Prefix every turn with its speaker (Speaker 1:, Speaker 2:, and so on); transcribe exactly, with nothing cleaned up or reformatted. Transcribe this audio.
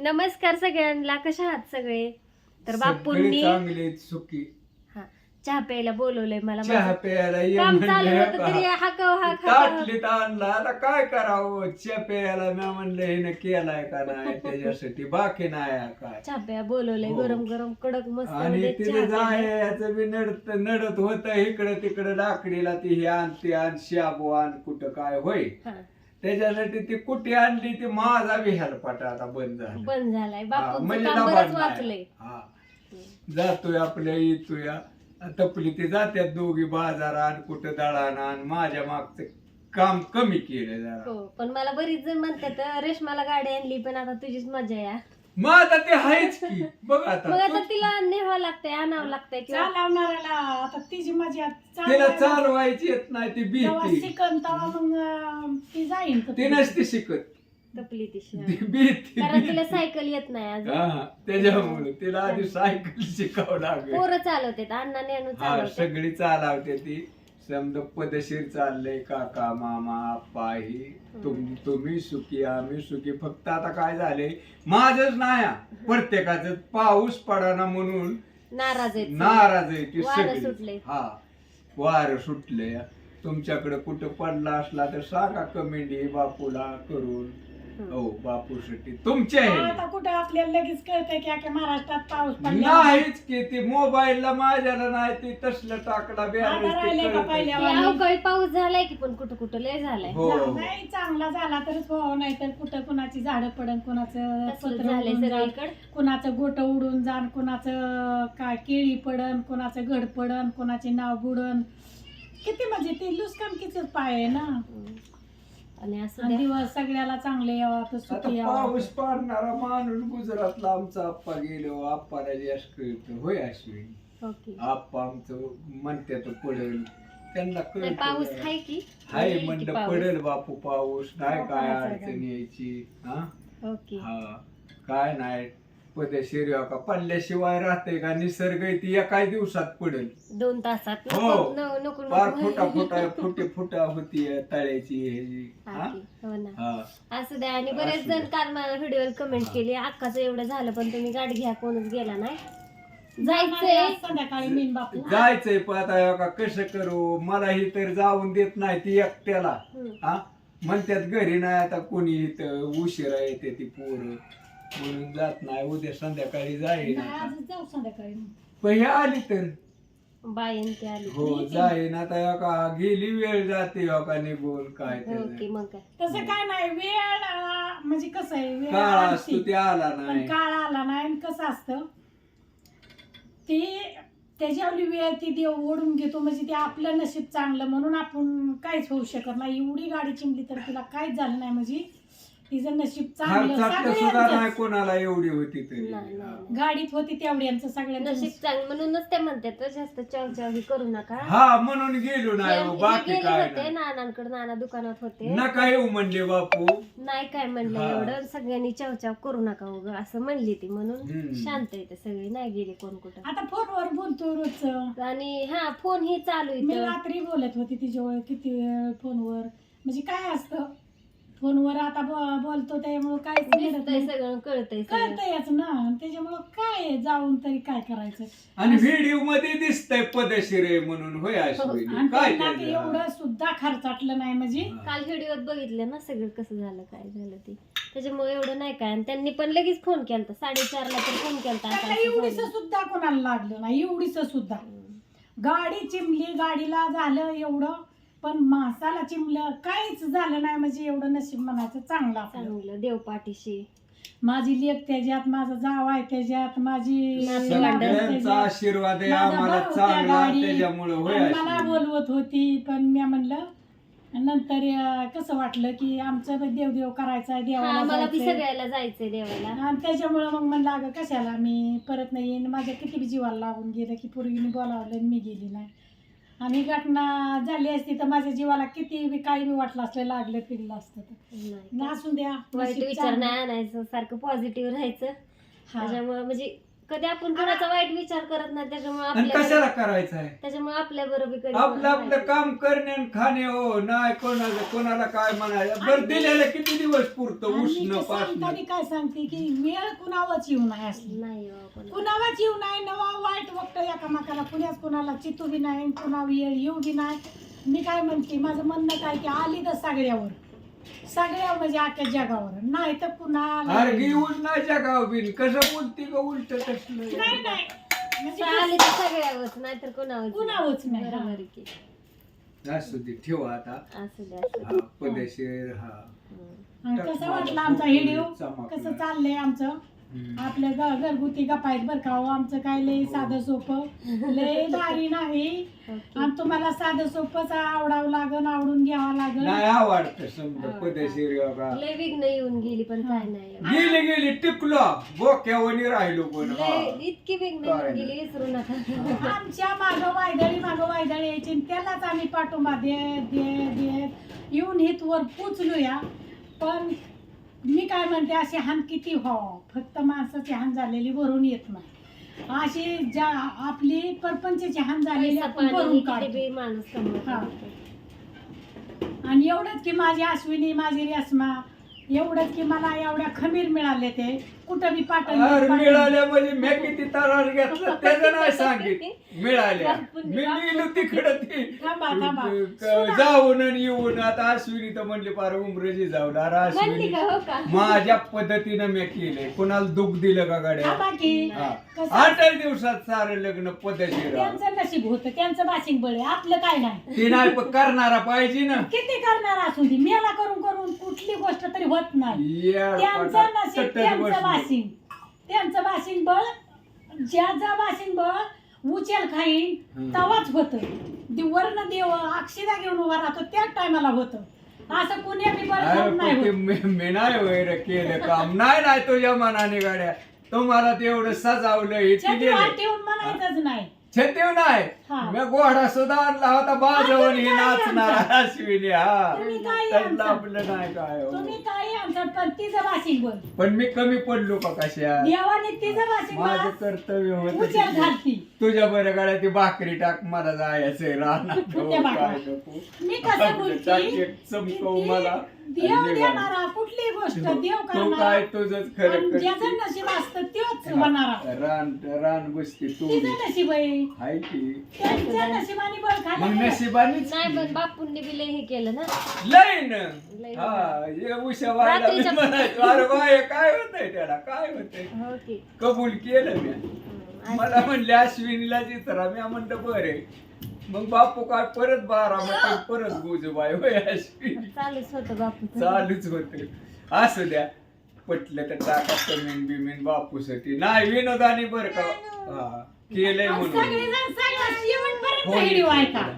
Speaker 1: नमस्कार सगळ्यांना, कशा आहात सगळे? तर बापूंनी
Speaker 2: चांगले सुखी
Speaker 1: हा चहा प्यायला बोलवलंय मला.
Speaker 2: चहा
Speaker 1: माझं
Speaker 2: प्यायला ये
Speaker 1: काम चालू
Speaker 2: म्हणलं
Speaker 1: होतं तरी
Speaker 2: का?
Speaker 1: हाकव हाक
Speaker 2: ताटलीत आणला आता काय करावं चहा प्यायला मी म्हणलं हिने केलाय का नाही त्याच्यासाठी बाकी नाही काय
Speaker 1: चहा प्या बोलवलंय.
Speaker 2: हो.
Speaker 1: गरम गरम कडक मस्त
Speaker 2: आणि
Speaker 1: मध्ये
Speaker 2: तिथे
Speaker 1: चहा प्यायला.
Speaker 2: जायचं बी नडत नडत होत इकडं तिकडं लाकडीला ती हे आण ते आण शाबू आण कुठं काय होय
Speaker 1: हा,
Speaker 2: त्याच्यासाठी ती कुठे आणली ती माझा बी हेलपाट आता बंद झाला
Speaker 1: बंद झालाय.
Speaker 2: हा,
Speaker 1: बापूंचं
Speaker 2: म्हणजे
Speaker 1: काम
Speaker 2: लबाड
Speaker 1: बरंच
Speaker 2: नाही.
Speaker 1: वाचलंय.
Speaker 2: हा. जातोय आपल्या येतोय तपली ते जात्यात दोघी बाजारात कुठं दळाण आण माझ्या मागचं काम कमी केलं जरा.
Speaker 1: हो, पण मला बरीच जण म्हणतात रेशमाला गाडी आणली पण आता तुझीच मजा या.
Speaker 2: मग आता ते आहेच की बघ आता
Speaker 1: मग आता तिला न्यावं लागतंय, आणावं लागतंय किंवा
Speaker 3: चालवणाऱ्याला आता तिची मजा
Speaker 2: तिला चालवायची येत नाही ती भीती
Speaker 3: शिकन तेव्हा मग अं, ती जाईन तर
Speaker 2: ती नसते शिकत
Speaker 1: तपली तिशी.
Speaker 2: ती भीती
Speaker 1: कारण तिला सायकल येत नाही अजून.
Speaker 2: हा त्याच्यामुळे तिला आधी सायकल शिकावं लागेल
Speaker 1: पोरं चालवतात, अण्णा नेणू
Speaker 2: हा
Speaker 1: चालवतात.
Speaker 2: सगळी चालवते ती समजा पदशीर चाललंय काका मामा आप्पा ही तुम तुम्ही सुखी आम्ही सुखी फक्त आता काय झालंय माझच नाही प्रत्येकाच पाऊस पडाना म्हणून
Speaker 1: नाराज आहेत.
Speaker 2: नाराज आहे ती
Speaker 1: वारं
Speaker 2: सगळी
Speaker 1: सुटलंय.
Speaker 2: हा वार सुटले तुमच्याकडे कुठं पडला असला तर सांगा कमेंट बापूला करून हो बापूसाठी तुमच्या
Speaker 3: आता
Speaker 2: आहे
Speaker 3: कुठं आपल्याला लगेच कळतंय की अख्ख्या महाराष्ट्रात पाऊस पडला
Speaker 2: नाहीच की ती मोबाईलला माझ्याला नाही ती तसलं टाकला
Speaker 3: आता राहिलंय का पहिल्या
Speaker 1: ते अवकाळी पाऊस झालाय की पण कुठं कुठं लय झालाय.
Speaker 2: हो
Speaker 3: नाही चांगला झाला तरच व्हावा नाही तर कुठं कुणाची झाडं पडन कुणाचं
Speaker 1: तसलं
Speaker 3: पत्र
Speaker 1: झालंय
Speaker 3: उडून जाण,
Speaker 1: सगळीकडे.
Speaker 3: कुणाचं गोट उडून जाण कुणाचं काय केळी पडन कुणाचं घड पडन कुणाचे नाव बुडन किती म्हणजे ते लुसकान पाय आहे ना.
Speaker 1: आणि असं
Speaker 3: आणि
Speaker 1: द्या.
Speaker 3: दिवस सगळ्याला चांगले यावा तर
Speaker 2: आता
Speaker 3: सुखी यावा.
Speaker 2: पाऊस पडणारा माणूस गुजरातला आमचा आप्पा गेलो आप्पाला जास्त कळतं होय अश्विनी
Speaker 1: ओके.
Speaker 2: आप्पा आमचं म्हणतात पडेल त्यांना
Speaker 1: नाही,
Speaker 2: कळतं
Speaker 1: पाऊस आहे की
Speaker 2: हाय
Speaker 1: येईल की
Speaker 2: म्हणलं
Speaker 1: पाऊस.
Speaker 2: पडेल बापू पाऊस नाही काय
Speaker 3: पावसाचं
Speaker 2: अडचण यायची हा
Speaker 1: ओके.
Speaker 2: हा काय नाही पदशीर का पडल्याशिवाय राहते का निसर्ग ती एका दिवसात पडेल
Speaker 1: दोन तासात
Speaker 2: हो.
Speaker 1: नको न- नको
Speaker 2: फार
Speaker 1: नको.
Speaker 2: फुटा फुटा फुटे फुटा होती तळ्याची ह्याची
Speaker 1: हा
Speaker 2: हा
Speaker 1: की, हो ना.
Speaker 2: हा
Speaker 1: असं द्या. आणि बरेच
Speaker 2: असू
Speaker 1: जण
Speaker 2: द्या.
Speaker 1: काल मला व्हिडिओ कमेंट केली अक्काचं एवढं झालं पण तुम्ही गाडी घ्या कोणच गेला नाही. जायचंय
Speaker 3: आज संध्याकाळी मीन बापू
Speaker 2: जायचंय पण आता का कसं करू मला ही तर जाऊन देत नाही ती एकट्याला
Speaker 1: हम्म.
Speaker 2: हा म्हणतात घरी नाही आता कोणी इथं उशिरा येते ती पोरं म्हणून जात नाही उद्या संध्याकाळी जाईन
Speaker 3: नाही,
Speaker 2: आता.
Speaker 3: आजच जाऊ संध्याकाळी
Speaker 2: पण हे आली तर
Speaker 1: बाईन ते आली.
Speaker 2: हो जाईन आता ह्या का गेली वेळ जाते ह्या का निघून काय
Speaker 1: ओके.
Speaker 2: त्याचं.
Speaker 1: मग काय
Speaker 3: तसं काय नाही वेळ अं, म्हणजे कसं आहे वेळ
Speaker 2: काळ
Speaker 3: आलती.
Speaker 2: असतो ते आला
Speaker 3: पण
Speaker 2: नाही
Speaker 3: काळ आला नाही आणि कसं असतं ते त्याच्यावरली वेळ ती देव ओढून घेतो म्हणजे ते आपलं नशीब चांगलं म्हणून आपण काहीच होऊ शकत नाही. एवढी गाडी चिमली तर तिला काहीच झालं नाही म्हणजे तिचं नशीब चांगलं
Speaker 2: खर्चात सुद्धा नाही
Speaker 3: सगळ्यांचंच.
Speaker 2: कोणाला एवढी होती तरी
Speaker 1: नाही, नाही.
Speaker 3: गाडीत होती तेवढ्यांचं सगळ्यांचं
Speaker 1: नशीब चांगलं म्हणूनच ते म्हणतात जास्त चवचाव ही करू नका.
Speaker 2: हा म्हणून गेलो नाही हो,
Speaker 1: हे
Speaker 2: बाकी
Speaker 1: गेले
Speaker 2: काय
Speaker 1: होते
Speaker 2: नाही
Speaker 1: नानांकडे, नाना दुकानात होते.
Speaker 2: नका येऊ म्हणले बापू
Speaker 1: नाही काय म्हणलं
Speaker 2: हा.
Speaker 1: एवढं सगळ्यांनी चवचाव करू नका उग असं म्हणली ती म्हणून
Speaker 2: हम्म.
Speaker 1: शांत येते सगळी, नाही गेली कोण कुठं.
Speaker 3: आता फोनवर बोलतो रोजचं.
Speaker 1: आणि हा फोन ही चालू
Speaker 3: मी
Speaker 1: इथं.
Speaker 3: रात्री बोलत होती तिच्यावर किती वेळ फोनवर म्हणजे काय असतं फोनवर आता ब- बोलतो त्यामुळं काहीच घडत
Speaker 1: दिसतंय
Speaker 3: नाही.
Speaker 1: सगळं, कळतंय सगळं.
Speaker 3: कळतंयच ना त्याच्यामुळं काय जाऊन तरी काय करायचं
Speaker 2: आणि व्हिडिओ मध्ये दिसतंय पदशीर आहे म्हणून होय अश्विनी
Speaker 3: आणि
Speaker 2: काय
Speaker 3: त्यांना ते
Speaker 2: त्याचं?
Speaker 3: एवढं सुद्धा खर्चाटलं नाही म्हणजे
Speaker 1: काल व्हिडिओत बघितलं ना सगळं कसं झालं काय झालं ते, त्याच्यामुळे एवढं नाही काय. आणि त्यांनी पण लगेच फोन केलता, साडेचारला तर फोन केलता असं
Speaker 3: त्यांना
Speaker 1: असं
Speaker 3: एवढीच
Speaker 1: झालं.
Speaker 3: सुद्धा कोणाला लागलं नाही एवढीच सुद्धा गाडी चिमली गाडीला झालं एवढं पण माणसाला चिमलं काहीच झालं नाही म्हणजे एवढं नशीब म्हणायचं चांगलं आपलं.
Speaker 1: चांगलं देव पाठीशी.
Speaker 3: माझी लेक त्याच्यात माझा जाव आहे त्याच्यात माझी
Speaker 1: नातवंड
Speaker 2: सगळ्यांचा
Speaker 3: त्याच्यात,
Speaker 2: आशीर्वाद आहे
Speaker 3: माझा
Speaker 2: आम्हाला
Speaker 3: भाऊ त्या
Speaker 2: चांगला
Speaker 3: गाडीत.
Speaker 2: त्याच्यामुळे होय
Speaker 3: आणि मला
Speaker 2: अश्विनी.
Speaker 3: बोलवत होती पण मी म्हणलं नंतर अं, कसं वाटलं की आमचं पण देवदेव करायचा आहे
Speaker 1: हा
Speaker 3: देवाला
Speaker 1: मला बी
Speaker 3: जायचंय.
Speaker 1: सगळ्याला जायचंय देवाला.
Speaker 3: आणि त्याच्यामुळं मग म्हणलं अगं कशाला मी परत नाही येईन माझ्या किती बी जीवाला लागून गेलं की पूर्वीने बोलावलं आणि मी गेली नाही आणि घटना झाली असती तर माझ्या जीवाला किती बी काही बी वाटलं असलं लागलं फिरलं असतं तर
Speaker 1: नाही
Speaker 3: नसून द्या
Speaker 1: वाईट
Speaker 3: नशीब
Speaker 1: विचार
Speaker 3: चांगलं.
Speaker 1: नाही आणायचं, सारखं पॉझिटिव्ह राहायचं.
Speaker 3: हा.
Speaker 1: त्याच्यामुळे म्हणजे कधी आपण कोणाचा वाईट विचार करत नाही, त्याच्यामुळे
Speaker 2: आणि
Speaker 1: आपल्या
Speaker 2: कशाला करायचं आहे
Speaker 1: त्याच्यामुळे आपल्या बरोबर कधी
Speaker 2: आपलं आपलं काम करणे आणि खाणे हो नाही कोणाला कोणाला काय म्हणायचं बरं दिलेलं किती दिवस पुरतं
Speaker 3: आणि
Speaker 2: उष्ण
Speaker 3: ते
Speaker 2: पासन
Speaker 3: सांगताना काय सांगते की वेळ कुणावरच येऊ नये असली
Speaker 1: नाही हो, पण-
Speaker 3: कुणावरच येऊ नये नवा वाईट वक्त एकामेकाला कुणाच कुणाला चितू बी नाही कुणा वेळ येऊ बी नाही. मी काय म्हणते माझं म्हणणं काय की आली तर सगळ्यावर सगळ्यावर म्हणजे अख्ख्या जगावर नाही तर कुणाला
Speaker 2: अरे घेऊन नाही जगाव बिन कसं बोलती का उलट कसलं
Speaker 3: नाही नाही म्हणजे
Speaker 1: आले तर सगळ्यावरच, नाहीतर कोणावर
Speaker 3: कुणावरच नाही.
Speaker 1: बरोबर आहे की.
Speaker 2: असू दे ठेवा आता
Speaker 1: असू दे असू
Speaker 2: हा, पदेशीर हा
Speaker 1: दे.
Speaker 3: आणि कसं वाटलं आमचा व्हिडिओ
Speaker 2: चमकला.
Speaker 3: कसं चाललंय आमचं
Speaker 2: हम्म.
Speaker 3: आपल्या घ- घरगुती गप्पा आहेत बरं का हो. आमचं काय लय साधं सोपं लय भारी नाही
Speaker 1: ओके.
Speaker 3: आणि तुम्हाला साधं सोपंच आवडावं लागन आवडून घ्यावं लागन.
Speaker 2: नाही आवडतं समजा पदेशीर बाबा
Speaker 1: लय विघ्न येऊन गेली पण काय नाही
Speaker 2: गेली गेली टिकलो बोक्यावणी राहिलो पण हा.
Speaker 1: लय इतकी विघ्न
Speaker 2: काय
Speaker 1: येऊन
Speaker 2: नाही.
Speaker 1: गेली विसरू नका.
Speaker 3: आमच्या मागं वायदळी मागं वायदळी यायची आणि त्यालाच आम्ही पाठोबा देत देत देत येऊन हितवर पोचलोया. पण मी काय म्हणते अशी हान किती व्हावं फक्त माणसाची हान झालेली भरून येत नाही. अशी ज्या आपली परपंचाची हान झालेली
Speaker 1: पैसा
Speaker 3: आपण
Speaker 1: पाणी
Speaker 3: भरून
Speaker 1: किती
Speaker 3: काढतो.
Speaker 1: बी माणूस कमवतो.
Speaker 3: हा. आणि एवढंच की माझी अश्विनी माझी रेश्मा एवढंच की मला एवढ्या खमीर मिळाले ते कुठं बी पाठवून
Speaker 2: अरे
Speaker 3: पाठवून-
Speaker 2: मिळाल्या म्हणजे मी किती तरार घेतलं त्याचं नाही सांगित मिळाल्या मी गेलो तिकडं ती
Speaker 3: थांबा थांबा
Speaker 2: क- जाऊन आणि येऊन आता अश्विनी तर म्हणली पार उमरेजी जाऊन अरे
Speaker 1: म्हणली
Speaker 2: अश्विनी
Speaker 1: का हो का?
Speaker 2: माझ्या पद्धतीनं मी केलंय कोणाला दुःख दिलं का गाड्या
Speaker 3: थांबा की
Speaker 2: हा.
Speaker 3: कसं-
Speaker 2: आठच दिवसात सारं लग्न पद्धतशीर
Speaker 3: त्यांचं नशीब होतं त्यांचं बाशिंग बळ आहे आपलं काय नाही.
Speaker 2: ती नाही पण करणारा पाहिजे ना
Speaker 3: किती करणार असू दे मेला करून करून कुठली गोष्ट तरी होत नाही.
Speaker 2: या
Speaker 3: त्यांचं
Speaker 2: पोटात
Speaker 3: नशीब
Speaker 2: तटत
Speaker 3: त्यांचं
Speaker 2: बसलं.
Speaker 3: बाशिंग त्यांचं बाशिंग बळ ज्याचा बाशिंग बळ उचल खाईन
Speaker 2: हम्म.
Speaker 3: तवाच होतं वरण देव अक्षिदा घेऊन उभा राहतो त्याच टायमाला होतं. असं कुणी बी बळ
Speaker 2: अरे
Speaker 3: खाऊन नाही
Speaker 2: पण ते
Speaker 3: होत.
Speaker 2: मी मी नाही वगैरे केलं काम नाही नाही तुझ्या मनाने गाड्या तुम्हाला ते एवढं सजावलं हे ते
Speaker 3: छाती वाट
Speaker 2: गेले
Speaker 3: ठेवून म्हणायचंच नाही.
Speaker 2: छतेव नाही
Speaker 3: हा.
Speaker 2: मी घोडा सुद्धा आणला होता बाजवून ही
Speaker 3: तुम्ही काय
Speaker 2: नाचणार
Speaker 3: आमचा?
Speaker 2: अश्विनी हा
Speaker 3: तुम्ही काय
Speaker 2: त्यातलं
Speaker 3: आमचा?
Speaker 2: आपलं नाही काय हो.
Speaker 3: तुम्ही काही आमचं पण तिचं बाशिंग बळ
Speaker 2: पण मी कमी पडलो का कशा
Speaker 3: देवाने तिचं बाशिंग
Speaker 2: माझं
Speaker 3: बळ
Speaker 2: कर्तव्य
Speaker 3: उचल
Speaker 2: होत
Speaker 3: घालती.
Speaker 2: तुझ्या बरं गाड्या ती भाकरी टाक मला जायचंय राहणार
Speaker 3: कुठल्या भाकऱ्या?
Speaker 2: नको
Speaker 3: मी कसं बोलती
Speaker 2: चमकव मला
Speaker 3: देव
Speaker 2: आणि निघाल.
Speaker 3: देणारा कुठली गोष्ट देव
Speaker 2: तू काय
Speaker 3: करणारा
Speaker 2: तुझंच खरं
Speaker 3: आणि ज्याचं
Speaker 2: करते.
Speaker 3: नशीब असतं तेच होणारा.
Speaker 2: रान रान बसते तू
Speaker 3: तिचं नशीब आहे
Speaker 2: हाय की
Speaker 3: त्यांच्या नशिबाने बळ
Speaker 2: मग
Speaker 3: खाल्लं.
Speaker 2: नशिबानीच
Speaker 1: नाही पण बापूंनी बी लय हे केलं ना.
Speaker 2: लय ना
Speaker 1: लय
Speaker 2: हा हे उशा व्हायला मी
Speaker 1: रात्रीच्या-
Speaker 2: म्हणायचो अरे बाय काय होतंय त्याला काय होतंय
Speaker 1: हो की.
Speaker 2: कबूल केलं मी
Speaker 1: हम्म.
Speaker 2: मला म्हणले अश्विनीला चित्रा मी म्हणलं बरे मग बापू काय परत बारा म्हटलं परत गुजबाय होय अश्विनी
Speaker 1: चालूच होतं बापू.
Speaker 2: चालूच होते असू द्या पटलं तर टाका कमेंट बिमेंट बापूसाठी नाही विनोदानी बरं का हा केलंय
Speaker 3: आणि
Speaker 2: म्हणून
Speaker 3: सगळेजण सगळं शेवटपर्यंत
Speaker 2: हो,
Speaker 3: व्हिडिओ ऐका.